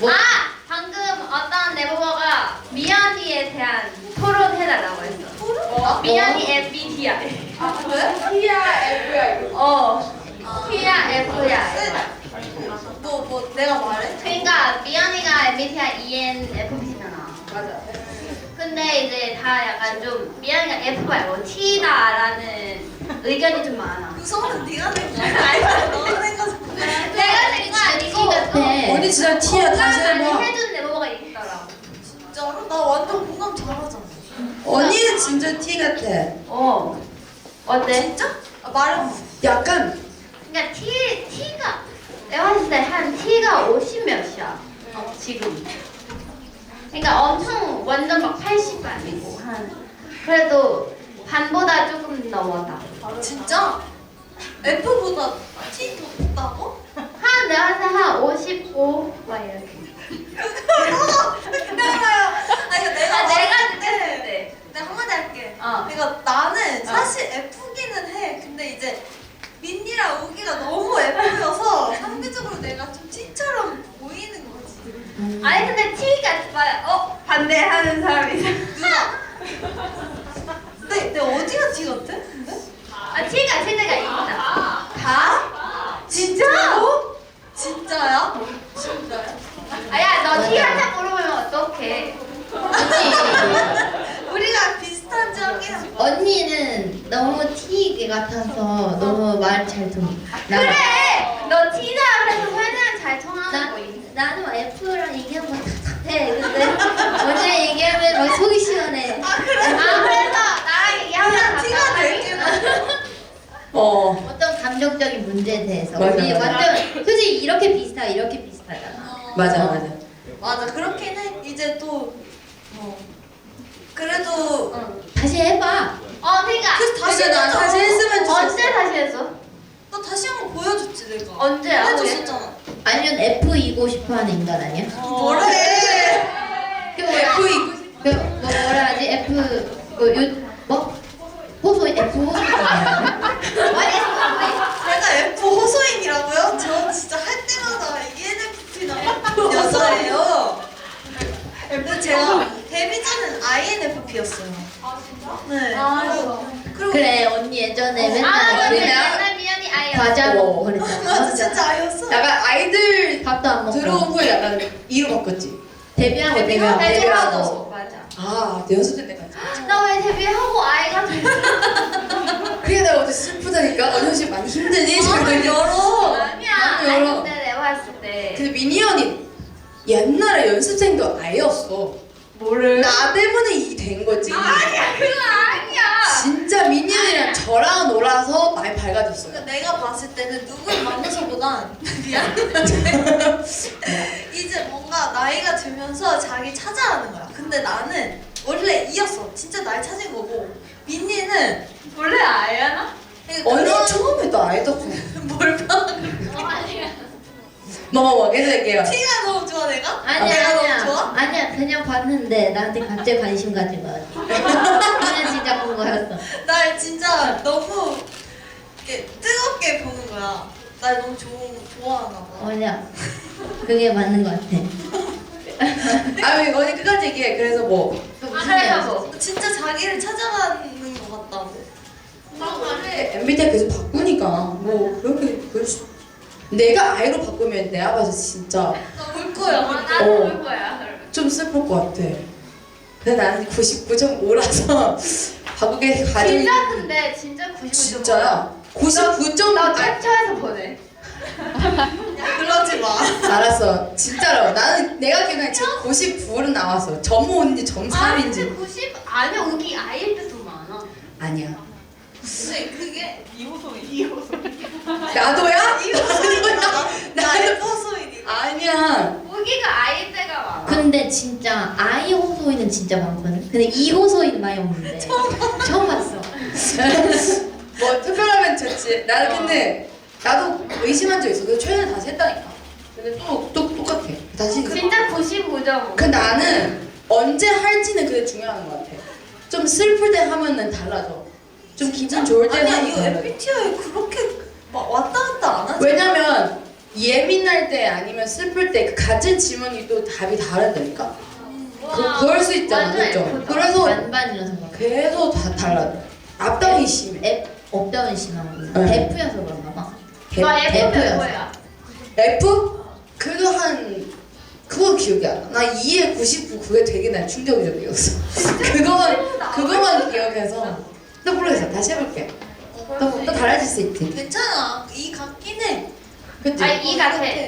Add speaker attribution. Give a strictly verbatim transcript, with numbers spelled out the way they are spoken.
Speaker 1: 뭐?
Speaker 2: 아! 방금 어떤 네버버가 미연이에 대한 토론해달라고 했어.
Speaker 1: 뭐?
Speaker 2: 미연이 엠비티아이.
Speaker 1: 아 그래? T야 F야 이거.
Speaker 2: 어. T야 F야.
Speaker 1: 뭐 뭐 내가 말해?
Speaker 2: 그러니까 미연이가 엠비티아이 이엔에프피잖아.
Speaker 1: 맞아.
Speaker 2: 근데 이제 다 약간 좀 미연이가 F 말고 T다라는 의견이 좀 많아.
Speaker 1: 그 소문은 네가 낸 거야. 아니 너가 낸 거지.
Speaker 2: 내가 낸 거 아니고
Speaker 3: 언니 진짜 T야. 다시
Speaker 2: 많이
Speaker 3: 해봐.
Speaker 2: 해준 네버버가 있더라고.
Speaker 1: 진짜로? 나 완전 공감 잘하잖아.
Speaker 3: 언니는 진짜 T 같아.
Speaker 2: 어. 어때?
Speaker 1: 진짜? 아, 말해봐.
Speaker 3: 약간
Speaker 2: 그러니까 T T가 내가 봤을 때 한 T가 오십 몇이야. 어, 지금. 그러니까 엄청 완전 막 팔십은 아니고 한 그래도 반보다 조금 넘었다.
Speaker 1: 진짜? F보다 T 더 높다고?
Speaker 2: 한 내가 봤을 때 한 오십오 막 이렇게.
Speaker 1: 기다려요. 아니 이거 내가
Speaker 2: 아,
Speaker 1: 말할
Speaker 2: 내가
Speaker 1: 때
Speaker 2: 느꼈을 때.
Speaker 1: 내가 한마디 할게.
Speaker 2: 어.
Speaker 1: 그러니까 나는 사실 F기는 해. 근데 이제 민니랑 우기가 너무 F여서 상대적으로 내가 좀 T처럼 보이는 거지.
Speaker 2: 아니 근데 T가 봐요. 어 반대하는 사람이 있어.
Speaker 1: 누나. 근데 내 어디가 T 같아? 근데?
Speaker 2: 아 T가 T가 있다.
Speaker 1: 다? 진짜로? 진짜야? 진짜야?
Speaker 2: 아야 너 T 한테 물어보면 어떡해?
Speaker 1: 우리가 비슷한지 확인해.
Speaker 4: 언니는 너무 T 같아서 너무 말 잘 통해. 나-
Speaker 2: 그래. 너 T다 그래서 설명 잘 통하는
Speaker 4: 나,
Speaker 2: 거 있어.
Speaker 4: 나는 막 F랑 얘기하면 답답해. 근데 언니랑 얘기하면 막 속이 시원해.
Speaker 1: 아 그래?
Speaker 2: 아 그래서 나랑 얘기하면
Speaker 1: 그냥 티가
Speaker 2: 답답하니?
Speaker 1: 낼게.
Speaker 3: 어
Speaker 4: 어떤 감정적인 문제에 대해서
Speaker 3: 맞아,
Speaker 4: 우리
Speaker 3: 맞아.
Speaker 4: 완전 솔직히 이렇게 비슷하 이렇게 비슷하잖아.
Speaker 3: 맞아
Speaker 4: 어.
Speaker 3: 맞아.
Speaker 1: 맞아 그렇긴 해. 이제 또 어. 그래도
Speaker 4: 다시 해봐.
Speaker 2: 어 그러니까
Speaker 1: 그래서 다시
Speaker 3: 그러니까 난
Speaker 1: 해보자.
Speaker 3: 다시 했으면 좋겠어.
Speaker 2: 언제 다시 했어?
Speaker 1: 나 다시 한 번 보여줬지 내가.
Speaker 2: 언제야?
Speaker 1: 해줬었잖아.
Speaker 4: 아니면 F이고 싶어하는 인간 아니야?
Speaker 1: 뭐래?
Speaker 4: 그 뭐야?
Speaker 3: F 이고
Speaker 4: 그 뭐, 뭐라 하지? F 뭐요 뭐? 호소 F 호소 아니야?
Speaker 1: 내가 F 호소인이라고요? 저 진짜 할 때마다 이엔에프피 나온 여자예요. 근데 제가 데뷔 전엔 아이엔에프피였어요. 아 진짜? 네.
Speaker 2: 아,
Speaker 1: 그리고
Speaker 4: 그래 언니 예전에
Speaker 1: 어,
Speaker 4: 맨날
Speaker 2: 아 맞네.
Speaker 4: 그냥
Speaker 2: 맨날 미연이 아이였어.
Speaker 4: 과자 먹고
Speaker 3: 어.
Speaker 4: 그랬잖아.
Speaker 1: 맞아 진짜 아이였어.
Speaker 3: 약간 아이들
Speaker 4: 밥도 안 먹고
Speaker 3: 들어온 후에 약간 이로 바꿨지.
Speaker 4: 데뷔하고
Speaker 1: 데뷔하고
Speaker 4: 데뷔하고
Speaker 1: 데뷔하고.
Speaker 2: 맞아.
Speaker 3: 아, 내 연습생 때까지.
Speaker 2: 나 왜 데뷔하고 아이가 됐어?
Speaker 3: 그게 내가 어제 슬프다니까. 언니 혹시 많이 힘드니?
Speaker 1: 아, 열어.
Speaker 2: 아니야.
Speaker 3: 나는
Speaker 2: 아니
Speaker 3: 열어.
Speaker 2: 근데 내가 했을 때
Speaker 3: 근데 미니언이 옛날에 연습생도 아이였어.
Speaker 2: 뭐를?
Speaker 3: 나 때문에 이 된 거지.
Speaker 2: 아니야 그거 아니야.
Speaker 3: 진짜 미니언이랑 저랑 놀아서 많이 밝아졌어요.
Speaker 1: 그러니까 내가 봤을 때는 누굴 만나서보단 미안. 이제 뭔가 나이가 들면서 자기 찾아가는 거야. 근데 나는 원래 이었어. 진짜 날 찾은 거고. 민니는
Speaker 2: 원래 아이야나?
Speaker 1: 그러니까
Speaker 3: 언니
Speaker 1: 그런-
Speaker 3: 처음에도 아이였어.
Speaker 1: 뭘 봐?
Speaker 2: 어 아니야.
Speaker 3: 뭐뭐 계속 얘기해요.
Speaker 1: 티가 너무 좋아 내가?
Speaker 4: 아니야
Speaker 1: 내가
Speaker 4: 아니야
Speaker 1: 너무 좋아?
Speaker 4: 아니야 그냥 봤는데 나한테 갑자기 관심 가진 거야. 그냥 진짜 본 거였어.
Speaker 1: 날 진짜 너무 이렇게 뜨겁게 보는 거야. 날 너무 좋 좋아하나 봐.
Speaker 4: 맞아. 그게 맞는 거 같아.
Speaker 3: 아, 왜 언니 끝까지 얘기해. 그래서 뭐.
Speaker 4: 또
Speaker 2: 아
Speaker 4: 무슨
Speaker 2: 그래서
Speaker 4: 얘기였어?
Speaker 2: 뭐?
Speaker 1: 진짜 자기를 찾아가는 것 같다고.
Speaker 3: 엠비티아이 계속 바꾸니까 뭐 그렇게 그럴 수. 내가 아이로 바꾸면 내가 봐서 진짜
Speaker 1: 나 울 거야.
Speaker 2: 아
Speaker 1: 울
Speaker 2: 나도
Speaker 3: 어.
Speaker 2: 볼 거야. 그러면.
Speaker 3: 좀 슬플 것 같아. 근데 나는 구십구 점 오라서 바꾸게 가정이
Speaker 2: 진짜 근데 진짜 구십구 점
Speaker 3: 진짜야. 구십구 점
Speaker 2: 나
Speaker 3: 아,
Speaker 2: 캡처해서 보내.
Speaker 1: 야, 그러지 마.
Speaker 3: 알았어. 진짜로. 나는 내가 기억하기에 지금 구십구는 나왔어. 점 오인지 점
Speaker 2: 아
Speaker 3: 삼인지.
Speaker 2: 근데 구십 아니야 우기 아이일 때도 많아.
Speaker 3: 아니야.
Speaker 1: 근데 그게
Speaker 3: 나도야?
Speaker 1: 나
Speaker 3: 나도
Speaker 1: F 호소인이.
Speaker 3: 아니야.
Speaker 2: 우기가 아이일 때가 많아.
Speaker 4: 근데 진짜 아이 호소인은 진짜 많거든. 근데 이 호소인 많이 없는데. 처음 봤어.
Speaker 3: 뭐 특별하면 좋지. 나는 근데 나도 의심한 적 있어. 그래서 최근에 다시 했다니까. 근데 또, 또 똑같아. 다시.
Speaker 2: 진짜 구십구 점 오.
Speaker 3: 그 나는 언제 할지는 그게 중요한 것 같아. 좀 슬플 때 하면은 달라져. 좀 기분 좋을 때
Speaker 1: 아니야
Speaker 3: 하면
Speaker 1: 이거
Speaker 3: 달라져.
Speaker 1: 엠비티아이 그렇게 막 왔다 갔다 안 하지.
Speaker 3: 왜냐면 예민할 때 아니면 슬플 때 그 같은 질문이 또 답이 다르다니까. 그, 그럴 수 있잖아,
Speaker 2: 완전
Speaker 3: 그죠?
Speaker 2: F다.
Speaker 3: 그래서
Speaker 4: 반반이라서 그런가?
Speaker 3: 계속 다 달라. 앞다운이 심해.
Speaker 4: F 업다운이 심하고
Speaker 3: 네.
Speaker 4: F여서 그런가 봐.
Speaker 2: 와 F면
Speaker 4: F였어.
Speaker 2: 뭐야?
Speaker 3: F? 그래도 한 그거 기억이 안 나. 나 이에 구십구 그게 되게 난 충격적이었어. 그거만 그거만 기억해서. 또 모르겠어. 다시 해볼게. 또, 또 달라질 수 있지.
Speaker 1: 괜찮아. 이 같긴 해.
Speaker 3: 그치?
Speaker 2: 아이 같아.